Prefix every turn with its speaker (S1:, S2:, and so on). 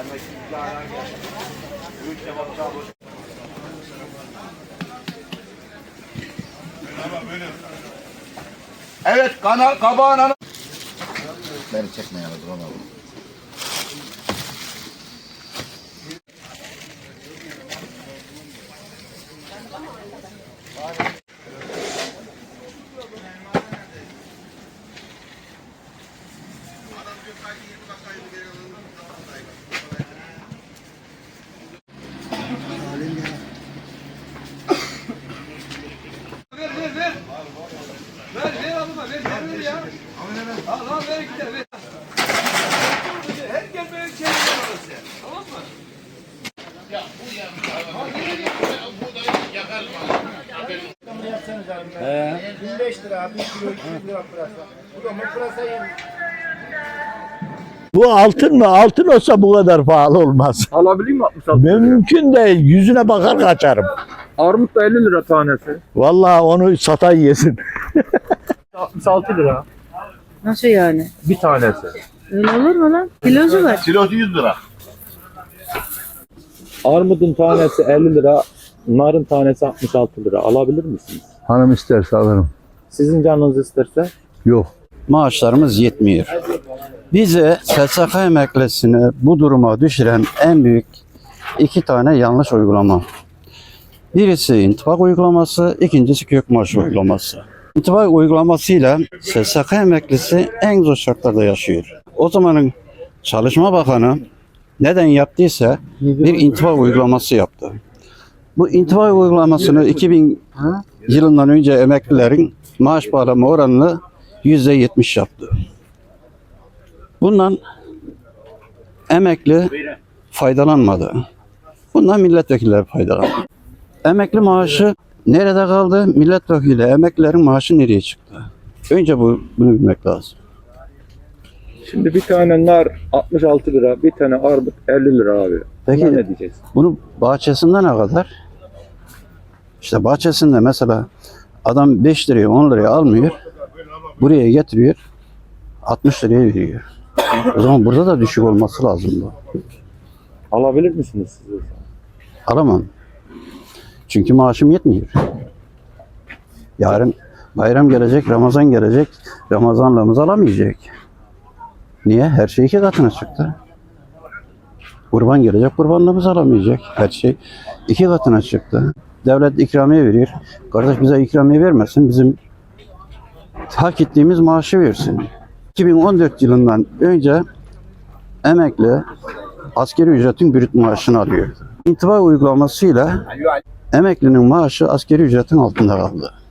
S1: Evet, kabağın
S2: Beni çekme yani, duramadım.
S1: Ver alıma, ver ya. Al ver gidelim. Ver. Herkes böyle çevirir orası. Tamam mı? Ya bu yakar mı?
S3: 25 lira, 1 kilo 200 lira pırasa. Bu da mı pırasa yemiş?
S4: Bu altın mı? Altın olsa bu kadar pahalı olmaz.
S5: Alabilir mi 66 liraya?
S4: Mümkün değil. Yüzüne bakar kaçarım.
S5: Armut da 50 lira tanesi.
S4: Vallahi onu satan yesin.
S5: 66 lira.
S6: Nasıl yani?
S5: Bir tanesi.
S6: Öyle olur mu lan? Kilosu var.
S1: Kilosu 100 lira.
S5: Armudun tanesi 50 lira. Narın tanesi 66 lira. Alabilir misiniz?
S4: Hanım isterse alırım.
S5: Sizin canınız isterse?
S4: Yok.
S7: Maaşlarımız yetmiyor. Bizi SSK emeklisini bu duruma düşüren en büyük iki tane yanlış uygulama. Birisi intibak uygulaması, ikincisi kök maaşı uygulaması. İntibak uygulamasıyla SSK emeklisi en zor şartlarda yaşıyor. O zamanın Çalışma Bakanı neden yaptıysa bir intibak uygulaması yaptı. Bu intibak uygulamasını 2000 yılından önce emeklilerin maaş bağlama oranını %70 yaptı. Bundan emekli faydalanmadı. Bundan milletvekilleri faydalandı. Emekli maaşı nerede kaldı? Milletvekili emeklilerin maaşı nereye çıktı? Önce bunu bilmek lazım.
S5: Şimdi bir tane nar 66 lira, bir tane armut 50 lira abi.
S7: Peki
S5: Buna ne diyeceğiz?
S7: bunu bahçesinde ne kadar? İşte bahçesinde mesela adam 5 liraya 10 liraya almıyor. Buraya getiriyor. 60 liraya veriyor. O zaman burada da düşük olması lazım bu.
S5: Alabilir misiniz siz?
S7: Alamam. Çünkü maaşım yetmiyor. Yarın bayram gelecek, Ramazan gelecek. Ramazanlığımız alamayacak. Niye? Her şey 2 katına çıktı. Kurban gelecek, kurbanlığımız alamayacak. Her şey 2 katına çıktı. Devlet ikramiye veriyor. Kardeş bize ikramiye vermesin, bizim hak ettiğimiz maaşı versin. 2014 yılından önce emekli asgari ücretin brüt maaşını alıyor. İntibak uygulamasıyla emeklinin maaşı asgari ücretin altında kaldı.